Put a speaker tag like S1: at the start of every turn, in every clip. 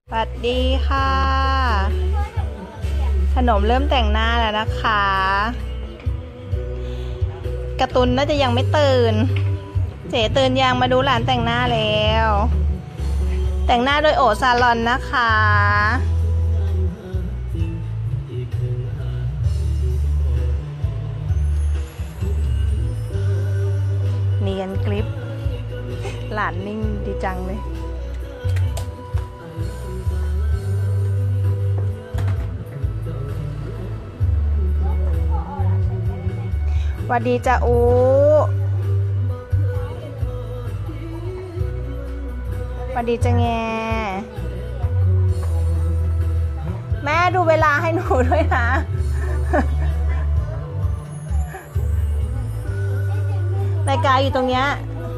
S1: สวัสดีค่ะขนมเริ่มแต่งหน้าแล้วนะคะการ์ตูนน่าจะยังไม่ตื่นเจ๋ตื่นยังมาดูหลานแต่งหน้าแล้วแต่งหน้าโดยโอซาลอนนะคะเนียนกริปหลานนิ่งดีจังเลยสวัสดีจ้าอูสวัสดีจ้าแงแม่ดูเวลาให้หนูด้วยนะนาฬิกาอยู่ตรงเนี้ย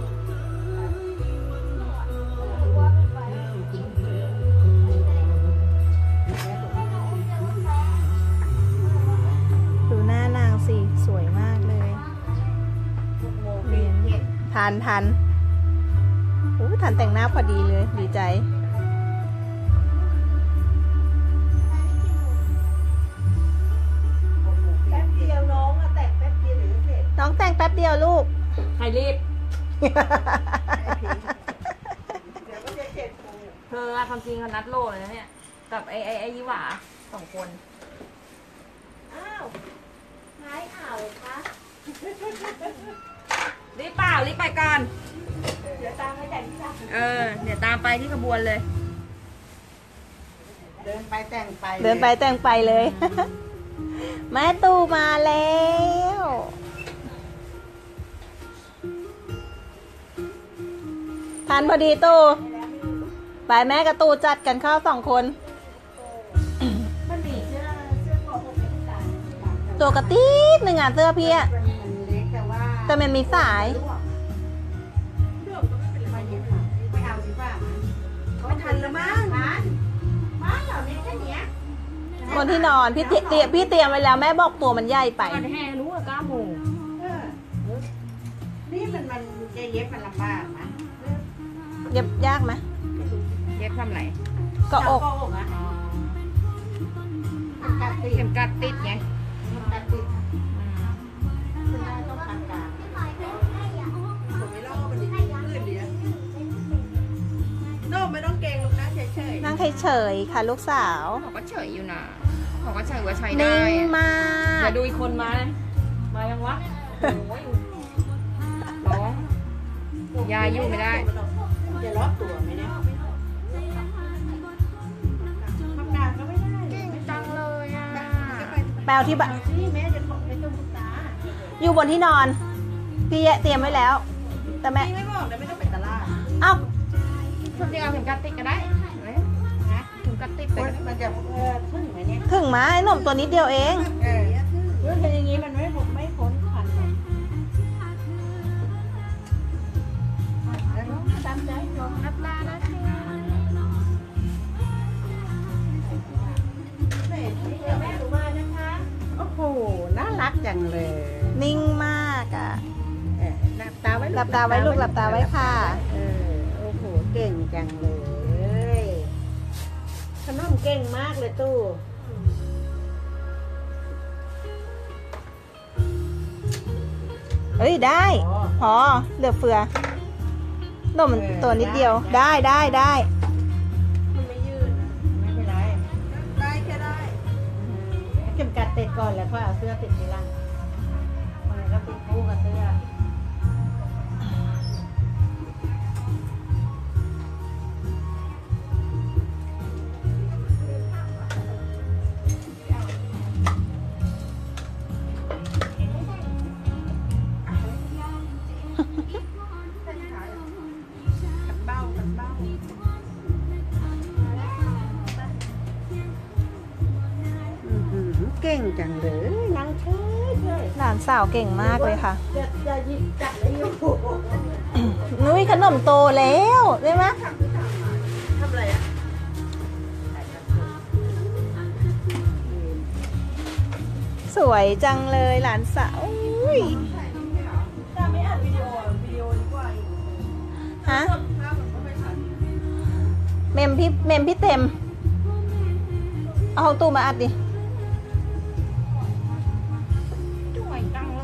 S1: ดูหน้านางสิสวยมากเลยทันโอ้ทันแต่งหน้าพอดีเลยดีใจ
S2: แป๊บเดียวน้องอะแต่งแป๊บเดียวเดี๋ยวเสร็จ
S1: น้องแต่งแป๊บเดียวลูก
S3: ใครรีบ
S2: เดี๋ยวก็จะเสร็จกู
S3: เธอความจริงเขานัดโลเลยนะเนี่ยกับไอ้ยี่หว่า2 คน
S2: อ้าวหายอ่าวคะ
S3: รีบเปล่ารีบไปก่อน
S2: เดี๋ยวตามไปแต่งที่ร้าน
S3: เดี๋ยวตามไปที่ขบวนเลย
S2: เดินไปแต่งไป
S1: เดินไปแต่งไปเลย แม่ตู่มาแล้วทันพอดีตู่ไปแม่กับตู่จัดกันเข้า2 คน
S2: มันมีเสื้อคอปกเป็นสาย
S1: ตัวกระติ๊ดหนึ่งเสื้อพี่อะ
S2: มันเล็กแต่ว่า
S1: แต่มันมีสาย
S2: เรื่องก็ไม่เป็นไรเย็นค่ะไม่เอาดีกว่าไม่ทันแล้วมั้งทันมาเหล่านี้แค่เนี้ย
S1: บนที่นอนพี่เตรียมไว้แล้วแม่บอกตัวมันใหญ่ไป
S3: ก่อนแห่รู้ว่า9 โมง
S2: เออนี่มันจะเย็บมันลำบากนะ
S1: เย็บยากไหม
S3: เย็บทำไร
S1: ก็อก
S2: ก็อกอะกัดติด
S3: เข็มกัดติดไง
S2: กัดติดคุณได้ต้องทำการผมไม่รอมันดีขึ้นดีนะโน่ไม่ต้องเก่งลูกนะเฉย
S1: นั่งเฉยๆค่ะลูกสาว
S3: เขาก็เฉยอยู่นะเขาก็เฉยว่าใช้ได้
S1: นิ่งมาก
S3: เดี๋ยวดูอีกคนมามายังวะโอ้ยร้องยายยุ่งไม่ได้
S2: จะล็อกตัวไหมเนี่ยทำงานก็ไม่ได้
S3: เก่งจังเลยอ่ะ
S1: แปลที่บะ
S2: นี่แม่จะบอกไม่ต้องตา
S1: อยู่บนที่นอน พี่เตรียมไว้แล้ว แต่แม่
S2: พี่ไม่บอกเลยไม่ต้องไปตลาด
S1: เอ้า
S3: จริงเอาเข็มกัดติดก็ได้นะเข็มกัดติดไปก็ได้
S2: มันจะพึ่งไหมเนี่ย
S1: ถึงมาไอ้หนุ่มตัวนิดเดียวเอง
S2: เรื่องเป็นอย่างนี้มันไม่พ้นพันเลยตามใจลง
S3: รับลานะจ๊ะ
S2: แม่รู้มานะคะ โอ้โห น่ารักจังเลย
S1: นิ่งมากอ่ะ
S2: หลับตาไว้
S1: หลับตาไว้ลูกหลับตาไว้ค่ะ
S2: โอ้โห เก่งจังเลยขนมเก่งมากเลยตู้
S1: เอ้ยได้ พอเหลือเฟือหนุ่มมันตัวนิดเดียวได้ได้
S2: มันไม่ยืดไม่เป็นไร ได้แค่ได้เข็มกัดติดก่อนแล้วค่อยเอาเสื้อติดทีหลังมันก็ติดคู่กับเสื้อเก่งจังเลยนั่งเฉย
S1: หลานสาวเก่งมากเลยค่ะ
S2: จะหยิบจับได้อยู่
S1: นุ้ยขนมโตแล้วได้ไหม
S2: ทำอะไรอ่ะ
S1: สวยจังเลยหลานสาวอุ้ย
S2: ถ้าไม่อัดวิดีโอดีกว่า
S1: ฮะพี่เต็มเอาของตู้มาอัดดิ
S3: สวยจังเลย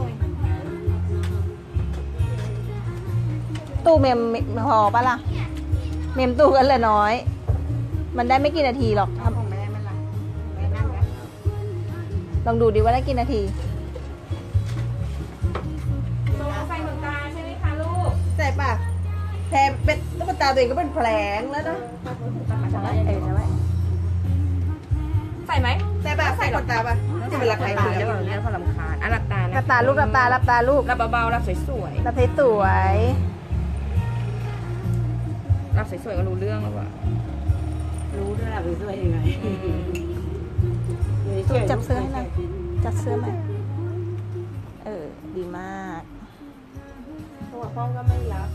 S1: ตู้เมมพอปะล่ะเมมตู้กันเลยน้อย มันได้ไม่กี่นาทีหรอก
S2: ทำของแม่ไม่ละแม่นั่งแล้ว
S1: ลองดูดิว่าได้กี่นาที
S3: โซใส่เหมือนกันใช่ไหมคะลูก
S2: ใส่ป่ะแทนเป็นตุ๊กตาตัวเองก็เป็นแผลงแล้วนะ
S3: ใส่ไหม
S2: ใส่ป่ะใส่ขนตาป่ะจะเป็นราคา
S3: ตาได้แบบนี้พอลำคาญอ่ะหลับตานะ
S1: หลับตาลูกหลับตาหลับตาลูก
S3: หลับเบาๆหลับสวย
S1: หลับสวย
S3: ๆหลับสวยๆก็รู้เรื่องแล้วว่ะ
S2: รู้ด้วยล่ะเป็นสวยยังไง
S1: ๆตู้จับเสื้อให้หน่อยจับเสื้อไหมดีมาก
S2: ตัวพ่อก็ไม่รับ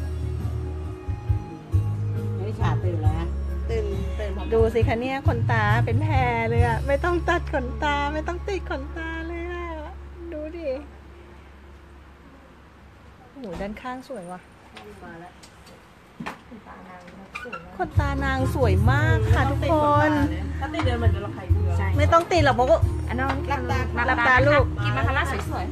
S2: ไม่ขาดตื่นแล้วตื่นพอ
S1: ดูสิคะเนี่ยขนตาเป็นแพรเลยอะไม่ต้องตัดขนตาไม่ต้องติดขนตาเลยอะดูดิโอ้โหด้านข้างสวยว่ะ
S2: มาแล้ว
S1: ขนตานางสวยมากค่ะทุกคน
S2: ถ้าติดเดินมันจะระคายเคือง
S1: ไม่ต้องติดหรอกเพราะว่า
S3: อันนั้น
S2: หลับตา
S1: หลับตาลูก
S3: กินมาคาร่าสวยๆ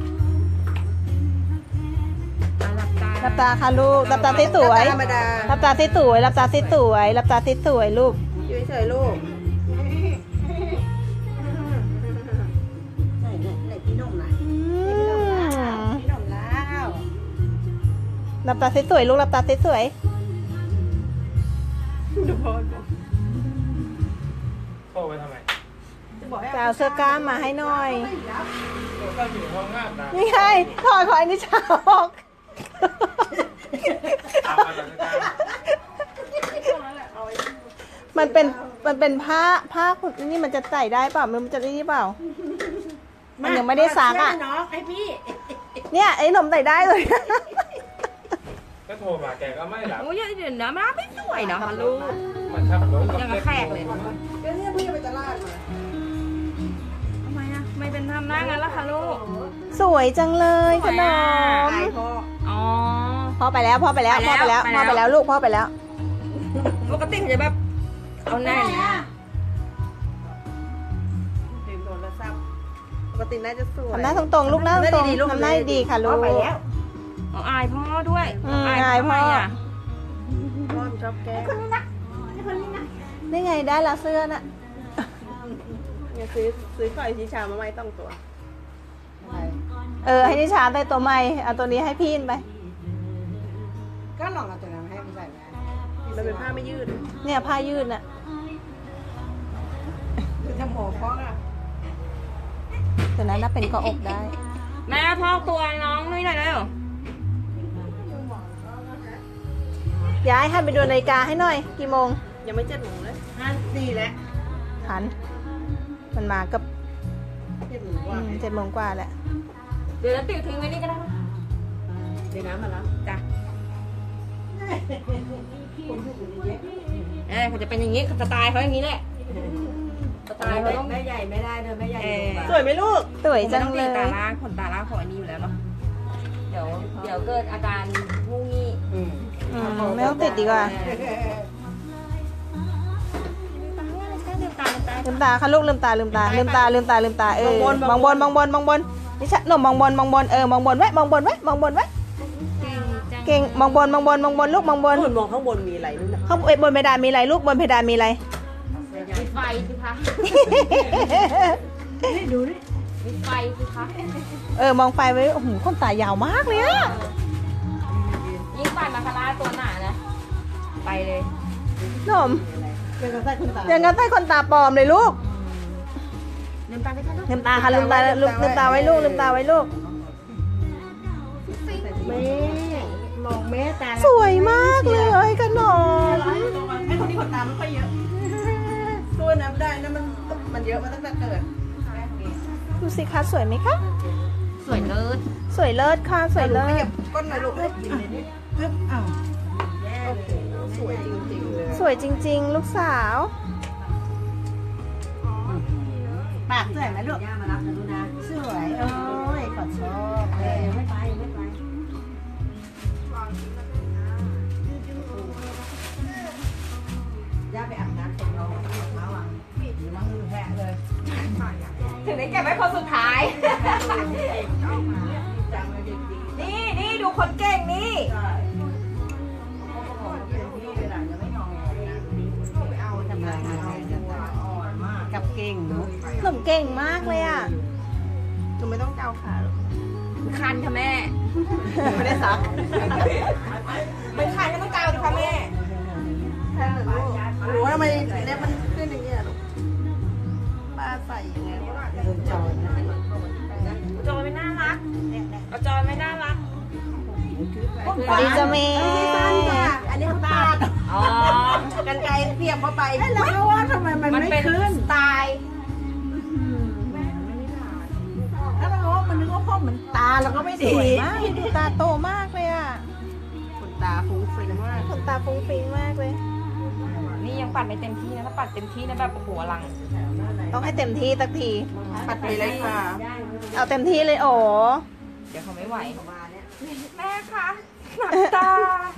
S3: อ่ะหลับตา
S1: หลับตาค่ะลูกหลับตาสวย
S2: ธรรมดา
S1: หลับตาสวยหลับตาสวยหลับตาสวยลูก
S2: อยู่เฉยๆลูกไหนพี่นมนะพี่นมแล้ว
S1: หลับตาสวยลูกหลับตาสวย
S2: ดูพ่อ
S4: โทรไปทำไม
S2: จะบอกให้
S1: จะเอาเสื้อกล้ามมาให้หน่อย
S4: โทรศัพท์อยู่ในห้องอาบน้ำ
S1: นี่ไงถอดของอันนี้ชาออก
S4: อาบมาจากการ
S1: มันเป็นผ้านี่มันจะใส่ได้เปล่ามันจะได้เปล่า มันยังไม่ได้ซักอ่ะ
S2: น้องไอพี่
S1: เนี่ยไอ้หนมใส่ได้เลย
S4: ก็โทรมาแกก็ไม่รับ
S3: โอ้ยเดี๋ยวนะมาไม่สวยเนาะลูก
S4: มันขับรถ
S3: ยังกับแขกเลย
S2: ก็เนี่ยพี่ไปตลาดมา
S3: ทำไมอะไม่เป็นทำหน้างั้นล่ะคะลูก
S1: สวยจังเลยขนม
S2: ไอพ่อ
S3: อ๋อ
S1: พ่อไปแล้วพ่อไปแล้วพ่อไปแล้วพ่อไปแล้วลูกพ่อไปแล้ว
S3: ปกติเขาจะแบบเอาหน้าอย่างเงี้ย
S2: ถึงโดนแล้วซ้ำปกติน่าจะสวย
S1: ทำหน้าตรงๆลูกหน้าตรงๆทำหน้าดีๆค่ะลูก
S2: ไปแล้ว
S3: อ๋ออายพ่อด้วย
S1: อายพ่อ
S3: ทำไมอะ
S2: พ่อชอบแกล้ง
S1: นี่ไงได้ละเสื้อน่ะ
S2: เนี่ยซื้อก่อยชีชามาไม่ต้องตัว
S1: ให้นิชาได้ตัวใหม่เอาตัวนี้ให้พี่ไป
S2: ก็ลองเอาตัวนั้นให้มันใส่ไหมมันเป็นผ้าไม่ยืด
S1: เนี่ยผ้ายืดน่ะ
S2: คือจะหมอพ่ออะ
S1: ตัวนั้นน่ะเป็นเกาะอกได้
S3: แม่พ่อตัวน้องนุ้ยหน่อยเร็ว
S1: ย้ายให้ไปดูนาฬิกาให้หน่อย กี่โมง
S2: ยังไม่7 โมงเลย5 4แล้ว
S1: หัน มันมากับ
S2: 7 โมงกว่า
S1: 7 โมงกว่าแหละ
S3: เดี๋ยวเราติวทิ้งไว้นี่ก็ได้นะ
S2: เดี๋ยวน้ำมาแล้ว
S3: จ้ะ
S2: คนอยู่เยอะ
S3: เขาจะเป็นอย่างนี้สไตล์เขาอย่างนี้แหละสไตล์เขาต้อง
S2: แม่ใหญ่ไม่ได้เดินแม่ใหญ่
S3: สวยไหมลูก
S1: สวยจัง
S3: ผม
S1: เล
S3: ไม่ต้อย ตีตาล่างขนตาล่างของอันนี้อยู่แล้วเนาะเดี๋ยวเกิดอาการงูงี้
S1: ไม่ต้องติดดีกว่า
S3: ลืมตา
S1: ลืมตาค่ะลูกลืมตาลืมตาลืมตาลืมตาลืมตามองบนมองบนมองบนนี่ชะหนุ่มมองบนมองบนมองบนไว้มองบนไว้มองบนไว้เก่งมองบนมองบนมองบนลูกมองบน
S2: คุณมองข้างบนมีอะไรด้วยนะ
S1: ข้างบนเพดานมีอะไรลูกบนเพดานมีอะไร
S3: มีไฟสิคะ
S2: ดูดิ
S3: มีไฟสิคะ
S1: มองไฟไว้โอ้โหขนตายาวมากเลยอะ
S3: ยิ่งปันมาคาร่าตัวหนานะไปเลย
S1: หนุ่ม
S2: เป็นกระแสคุณตา
S1: อย่างนั้นใส่ขนตาปลอมเลยลูก
S3: ลืมตาไปค่ะลูก
S1: ลืมตาค่ะลืมตาลืมตาไว้ลูกลืมตาไว้ลูก
S2: แม่มองแม่ตา
S1: สวยมากเลยขนม
S2: ไอ้คนที่ขนตาไม่ค่อยเยอะตัวน้ำได้นะมันเยอะมาตั้งแต่เกิด
S1: ดูสิคะสวยไหมคะ
S3: สวยเลิศ
S1: สวยเลิศค่ะสวยเลิ
S2: ขยั
S1: ศ
S2: บก้นหน่อยลูกให้กินเลยนี่ปึ๊บอ้าวโอ้โหสวยจริงๆเลย
S1: สวยจริงๆ ลูกสาว
S2: ปากสวยไหมลูกย่ามารับนะลูกนะสวยโอ้ยขอชอบเลยไม่ไปย่าอาบน้ำเสร็จเราแล้วอ่ะปิดมาหือแหะเลย
S3: ถึงได้เก็บไว้คนสุดท้าย นี่ดูคนเก่งนี่
S2: กับเก่งเนาะ
S1: หนุ่มเก่งมากเลยอ่ะ
S2: หนูไม่ต้องเจ้าขาหรอก
S3: คันค่ะแม่
S2: ไม่ได้ซัก
S3: เป็นคันก็ต้องเกาดิค่ะแม่
S2: หนูว่าทำไมเล็บมันขึ้นอย่างเงี้ยลูกป้าใส่ยังไงวะโดนจอยนะ
S3: จอยไม่น่ารักเอาจอยไม่น่ารัก
S1: สวัสดีจ้าเมย์
S2: อันนี้เขาตัด
S3: อ๋อ
S2: กันไกลเสียบเข้าไปแล้วก็ว่าทำไมมัน
S3: มัน
S2: ไม่
S3: เป็น
S2: ขึ้น
S3: สไตล์
S2: แล้วเราว่ามันนึกว่าพ่อเหมือนตาเราก็ไม่ดี
S1: สวยมากดูตาโตมากเลยอ่ะ
S2: ขนตาฟุ้งฟิ้งมาก
S1: ขนตาฟุ้งฟิ้งมากเลย
S3: นี่ยังปัดไม่เต็มที่นะถ้าปัดเต็มที่นะแบบโอ้โหอลัง
S1: ต้องให้เต็มที่สักที
S2: ปัดไปเลยค่ะ
S1: เอาเต็มที่เลยโอ้
S3: เดี๋ยวเขาไม่ไหวแม่คะหนักตา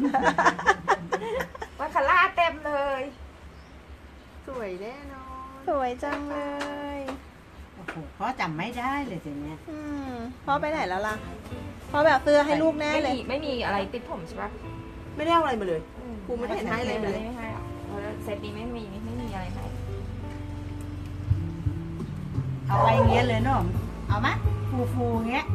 S3: ว่าคาร่าเต็มเลย
S2: สวยแน่นอน
S1: สวยจังเลย
S2: โอ้โหพ่อจำไม่ได้เลยทีเนี้ย
S1: พ่อไปไหนแล้วล่ะพ่อแบบเสื้อให้ลูกแน่เลย
S3: ไม่มีอะไรติดผมใช่ปะ
S2: ไม่ได้เอาอะไรมาเลยครูไม่ได้เห็นให้เลยเลย
S3: ไม่ให้หรอกเพราะเซตนี้ไม่มีอะไรให้
S2: เอาไปเงี้ยเลยเนาะเอาไหมฟูเงี้ย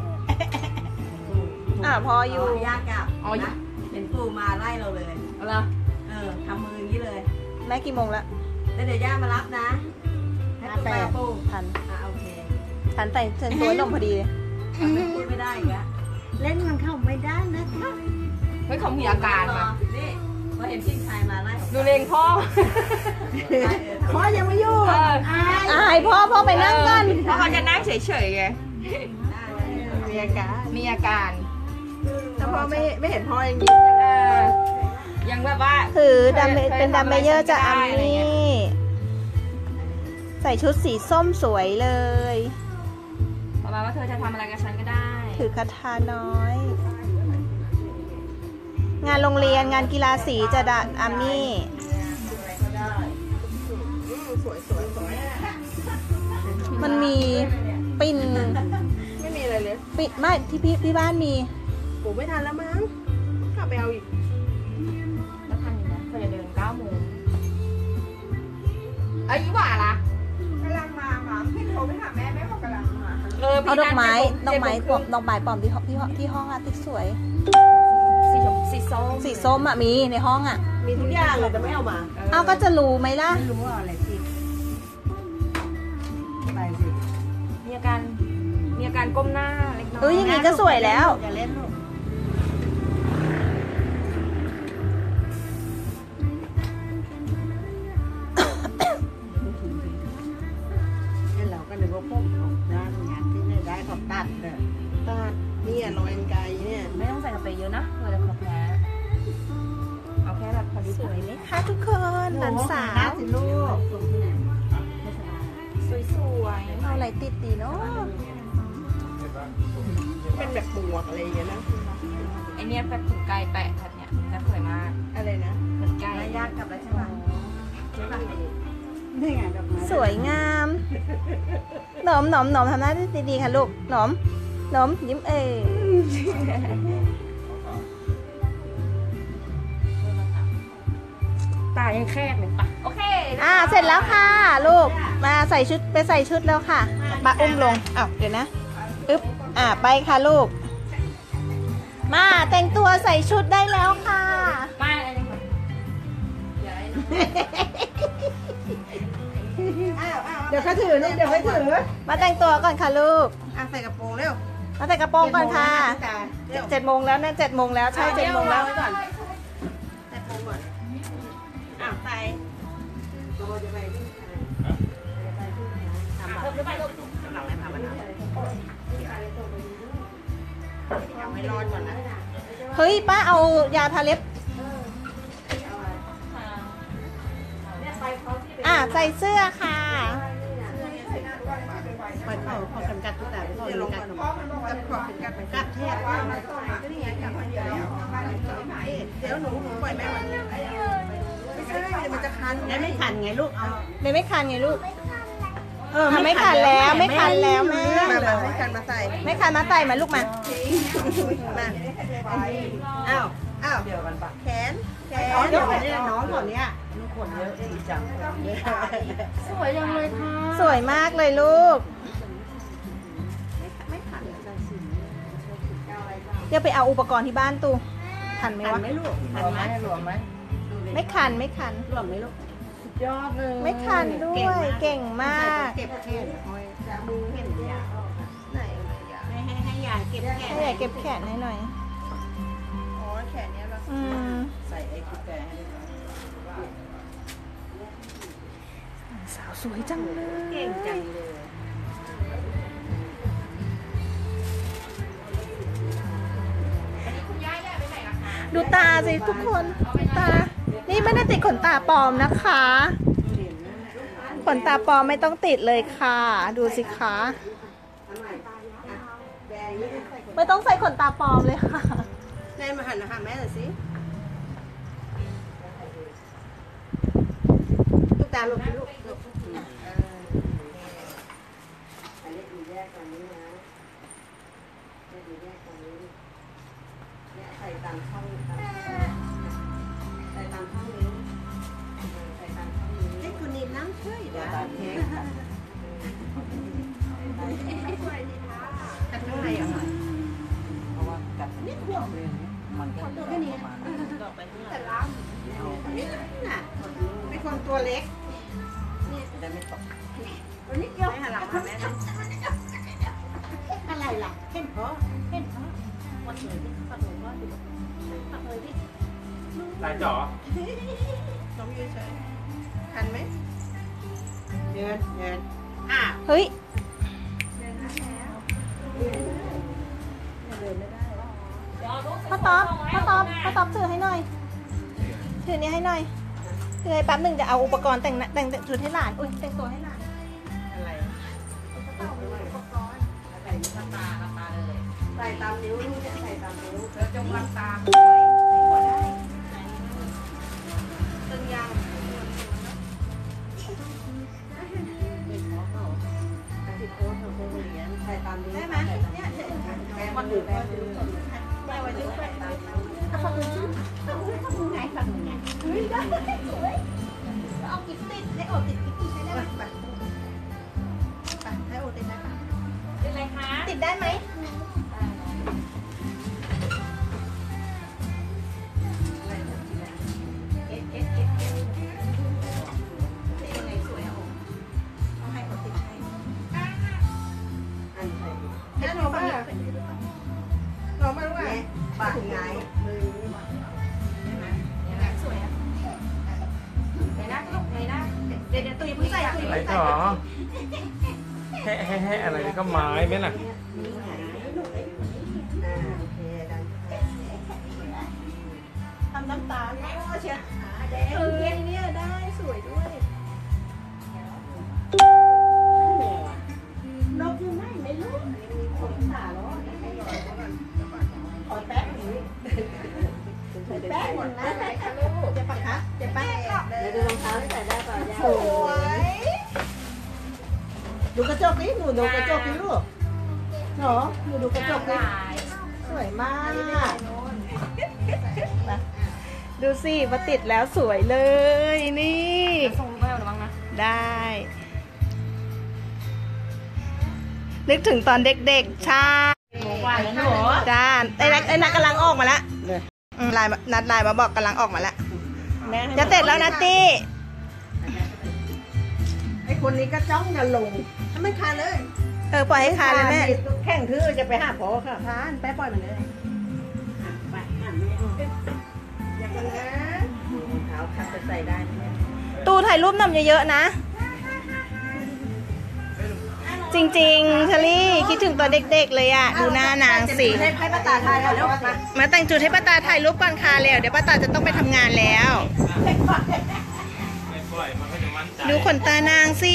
S1: พออยู่
S2: ยากกับ
S3: อ๋อ
S2: นะเห็นปูมาไล่เราเลย
S3: เอาละ
S2: ทำมืออย่างนี้เลย
S1: แม่กี่โมงแล้ว
S2: แล้วเดี๋ยวย่ามารับนะให้ปูมาปู
S1: ทัน
S2: โอเค
S1: ทันแต่เชิญตัวนมพอดีเลย
S2: พูดไม่ได้อีกแล้วเล่นมันเข้าไม่ได้นะคะ
S3: เฮ้ยเขามีอาการมา
S2: นี่พอเห็นพี่ชายมาไล่
S3: ดูเลงพ่อ
S2: พ่อยังไม่อยู่
S3: เออ
S1: อายพ่อไปนั่งก่อน
S3: เพราะเขาจะนั่งเฉยๆไง
S2: มีอาการ
S3: มีอาการ
S2: แต่พ่อไม่เห็นพ่อยังยิ้ม
S3: เออยังแบบว่า
S1: คือเป็นดัมเมเยอร์จากอา
S3: เคยทำอะไรฉันก็ได้อะไร
S1: มี่
S3: เงี้ย
S1: ใส่ชุดสีส้มสวยเลย
S3: ประมาณว่าเธอจะทำอะไรกับฉันก็ได้
S1: ถือคาถาน้อย งานโรงเรียนงานกีฬาสีจะดัดอามี่
S2: สวยสวยสวย
S1: มันมีปิ้น
S2: ไม่มีอะไรเลย
S1: ปิ้นไม่ที่บ้านมี
S2: ปู่ไม่ทันแล้วมั้งกลับไปเอาอีก
S3: แล้วทันอยู่นะเธอจะเดิน9 โมงไอ้ยี่หว่าล่ะ
S2: กำลังมาพี่โทรไปหาแม่บอกกำลังมา
S1: เอาดอกไม้
S3: ดอกไม้
S1: ปลอมที่ห้องอะติ๊กสวย
S3: สีส้ม
S1: สีส้มอะมีในห้องอะ
S2: มีทุกอย่างเลยแต่ไม่เอามา
S1: เอาก็จะรู้ไหมล่ะ
S2: ไม่รู้ว่าอะไรสิไปสิ
S3: มีอาการก้มหน้าเล็กน้อย
S1: อย่างนี้ก็สวยแล้ว
S2: อย่าเล่นลูกเราก็นึกว่าพวกด้านงานที่ไม่ได้เขาตัดเลยตัดเนี่ยรอยไกลเนี่ย
S3: ไม่ต้องใส่กระเปรย์เยอะนะเผื่อจะแพ้เอาแค่แบบพอดี
S1: สวยไหมคะทุกคนหลานสาว
S2: สิลูก
S3: สวยๆ
S1: เอาอะไรติดดีเนาะ
S2: เป็นแบบบวกอะไรอย่างเงี้ยนะ
S3: ไอเนี้ยแบบถุงไก่แปะแบบเนี้ยจะสวยมาก
S2: อะไรนะ
S3: เหมือนไก่
S2: ยากกลับแล้วใช่ไหมใช่ป่ะนี่ไงดอกไม้
S1: สวยงามหนมทำหน้าดีๆค่ะลูกหนมยิ้ม
S3: ตายังแคบเลยปะโอเค
S1: เสร็จแล้วค่ะลูกมาใส่ชุดแล้วค่ะปะอุ้มลงเดี๋ยวนะอึ๊บไปค่ะลูกมาแต่งตัวใส่ชุดได้แล้วค่ะ
S3: ไม่อะไรเลยค่ะ
S2: เดี๋ยวเขาถือนี่เดี๋ยวเขาถือ
S1: มาแต่งตัวก่อนค่ะลูก
S2: ใส่กระโปรงเร็ว
S1: มาใส่กระโปรงก่อนค่ะ
S2: เร็ว
S1: 7 โมงแล้วนะ7 โมงแล้วใช่7 โมงแล้ว
S2: ไว้ก่อนใส่โปรงก่อนใส่ตัวจะไปที่เพิ่มไปลูกหลังไหนทำมันเอาไว้รอก่อนนะ
S1: เฮ้ยป้าเอายาทาเล็บใส่เสื้อค่ะ
S2: เปิดเขาพอกันกัดทุกแต่พอกันกัดพอกันกัดไปกัดเทศว่าก็นี่ไงกัดคนเดียวเดี๋ยวหนูปล่อยแม่วันนี้ใช่มันจะคัน
S5: แล้วไม่ขันไงลูกเอา
S1: เลยไม่คันไงลูกทำไม่คันแล้วไม่คันแล้วแม่
S2: มาให้คันมาใส่
S1: ไม่คันมาใส่มาลูกมา
S2: มา
S5: อ้าว
S2: อ้าว
S5: เดียวกันปะ
S2: แขนแข
S5: อ๋อเดี๋ยว
S2: น
S5: เนี่ยน้องคนเนี้ยลูกคนเยอะดีจัง
S3: สวยจังเลยค่ะ
S1: สวยมากเลยลูกเดี๋ยวไปเอาอุปกรณ์ที่บ้านตูทันไหม
S5: ขัน
S1: วะ
S5: ไหมลูกขันไหมหลวมไหม
S1: ไม่คันไม่คัน
S5: หลวมไหมลูกสุดยอดเลย
S1: ไม่คันด้วยเก่งมาก
S5: เก็บแค่ห้อยจะมือเห็นยา
S2: ไหน
S5: ให้ยาเก็บแค่
S1: ให้ใหญ่เก็บแขนให้หน่อย
S2: อ๋อแขนเนี้ยเรา
S1: อืม
S5: ใส่ไอ้กุญแจให้ด้วย
S1: สาวสวยจังเลย
S5: เก่งจังเลย
S1: ดูตาสิทุกคนตา นี่ไม่ได้ติดขนตาปลอมนะคะ ขนตาปลอมไม่ต้องติดเลยค่ะ ดูสิคะไม่ต้องใส่ขนตาปลอมเลยค่ะ
S2: นายมาหันหาแม่หน่อยสิลูกตาลูกลูกลูก
S5: อันนี้ดูแยกตรงนี้นะดูแยกตรงนี้เนี่ยใส่ตามช่องใส่ตามช่องนี้ใส่ตามช่องนี้
S2: ให้คุณนิดน้ำช่วย
S5: เดี๋ยว
S2: นะ
S5: ตามเค้ก
S2: อันเท่าไหร่อ่ะ
S5: เพราะว่ากัดนิดเดียวเลยมันก็จะประมาณ
S2: แต่ล้ำนี่น่ะเป็นคนตัวเล็ก
S5: จะได้ไม่ตก
S2: ตัวนิดเดียวหันหลังมาแม่นะ
S5: อะไรล่ะเห็นเพราะเห็นเพราะวัดเลยดิวัดเลยวัดเลยวัดเลยดิ
S4: ตายจ๋อ
S2: น้องยืนเฉยทันไหม
S5: เดิน
S1: เฮ้ย พ่อต๊อบถือให้หน่อย ถือนี้ให้หน่อยถือให้แป๊บหนึ่งจะเอาอุปกรณ์แต่งชุดให้หลาน อุ้ยแต่งตัวให้หลาน
S5: อะไรใส่ตาเลยใส่ตามนิ้วลูกจะใส่ตามนิ้วแล้วจงรับตา
S2: ตึงยาง
S5: ใส่ตามนิ้ว
S2: ได้ไหมเนี่ยเฉย
S5: แม่มันอยู่แม่มือ
S2: แม่ไว้ดึงไป
S1: ฝั่งอื่นชื่อฝั่งอื่นไงฝั่งอื่นไงเฮ้ยได้สวยเอากิ๊บติดให้โอบติดกิ๊บติดให้ได้ไหม
S2: ไปให้โอติดได้ปะ
S3: เป็นไรคะ
S1: ติดได้ไหม
S2: ติดยังไงสวยอ่ะเอาให้โอติดให้
S5: อันใส่
S2: แม่น้องมาน้องมาลูกอ่ะ
S5: ปากไงมือ
S2: สวยอ่ะ
S3: ไหนนะลูกไหนนะ
S2: เดี๋ยวตุยเพิ่งใส่ตุย
S4: ตายจ๋อแฮ่อะไรก็ไม้ไหมล่ะ
S5: โอเคดัน
S2: ทำน้ำตาลเชียเนี่ยได้สวยด้วย
S5: นกยังไม่รู้มีคนตาล้อขอแป๊บนึงแป๊บนึงนะ
S2: เจ็บปะคะเจ็บปะ
S5: เดี๋ยวดูรองเท้าที่ใส่ได้ป่ะย่า
S2: สวยดูกระจกนี่หนูดูกระจกนี่ลูกเหรอหนูดูกระจกนี่สวยมาก
S1: ดูสิมาติดแล้วสวยเลยนี่
S3: ส่งไปเอาหรือบ้างนะ
S1: ได้ นึกถึงตอนเด็กๆใช่
S3: ว่าแล้วหนู
S1: จ้าไอ้นัทกำลังออกมาแล้วนัดไลน์มาบอกกำลังออกมาแล้ว จะเสร็จแล้วนะตี้
S5: ไอ้คนนี้ก็จ้องจะลง
S2: ทำไม่คานเลย
S1: ปล่อยให้คาเลยแม่
S5: แข่งทื่อจะไปหาพ่อค่ะ
S2: คานแป๊บปล่อยมันเลย
S5: ไปหาแม่
S2: อย่ากันนะ
S5: รองเท้าคัดจะใส่ได้ไหม
S1: ตูถ่ายรูปนำเยอะๆนะ จริงๆเชอรี่คิดถึงตอนเด็กๆเลยอะดูหน้านางสิ
S2: ให้ป้าตาทายแล้วมา
S1: มาแต่งจุดให้ป้าตาถ่ายรูปก่อนค่ะแล้วเดี๋ยวป้าตาจะต้องไปทำงานแล้ว
S4: ไม่ปล่อยมันก็จะมั่นใจ
S1: ดูขนตานางสิ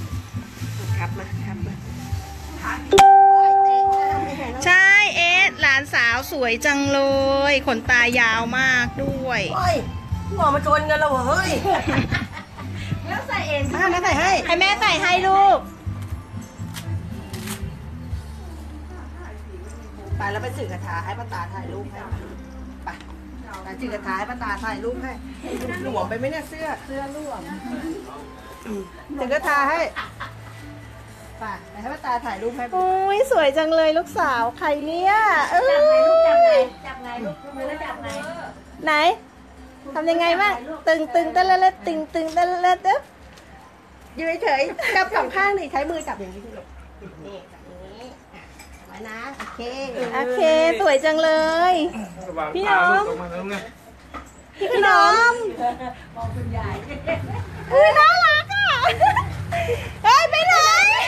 S2: ครับมา
S1: ใช่เอสหลลานสาวสวยจังเลย ขนตายาวมากด้วย
S5: โอ้ยหัวมาชนกันแล้วเฮ้ย
S2: แล้วใส่เอง
S5: มาแม่ใส่ให้
S1: ให้แม่ใส่ให้ลูก
S5: ไปแล้วไปสื่อกระถาให้ป้าตาถ่ายรูปให้ไปไปสื่อกระถาให้ป้าตาถ่ายรูปให้หลวมไปไหมเนี่ยเสื้อหลวมสื่อกระถาให้ไปให้ป้าตาถ่ายรูปให้
S1: โอ้ยสวยจังเลยลูกสาวใครเนี่ยเอ้ย
S2: จับไงลูกมือแล้วจับไง
S1: ไหนทำยังไงบ้างตึงตึงตะละละตึงตึงตะละละตึ๊บ
S5: ยืนเฉยๆจับสองข้างดิใช้มือจับอย่างนี้สิลูกนี่จับอย่างนี้ไว้นะโอเค
S1: โอเคสวยจังเลย พี่น้อง
S4: ตกมาแล้วไง
S1: พี่ขนม
S2: มองคุณยาย
S1: น่ารักอ่ะเฮ้ยไปไหน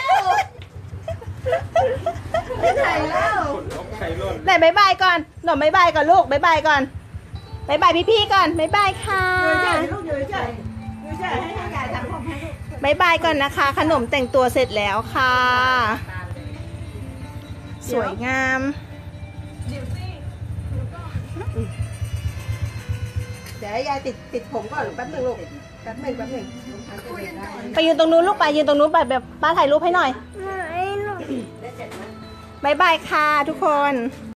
S5: ไม่ใช่แล้ว
S4: ขนนกไข่ร่น
S1: ไหนบายบายก่อนหนมบายบายก่อนลูกบายบายก่อนบายบายพี่ๆก่อนบายบายค่ะ
S5: ยืนเฉยๆลูกยืนเฉยๆยืนเฉยๆให้ยายทำผมให้ลูก
S1: บายบายก่อนนะคะ ขนมแต่งตัวเสร็จแล้วค่ะ สวยงาม
S5: เดี๋ยวให้ยายติดผมก่อนแป๊บหนึงลูกแป๊บหนึง
S1: ไปยืนตรงนู้นลูกไปยืนตรงนู้นไปแบบป้าถ่ายรูปให้หน่อยบายบายค่ะทุกคน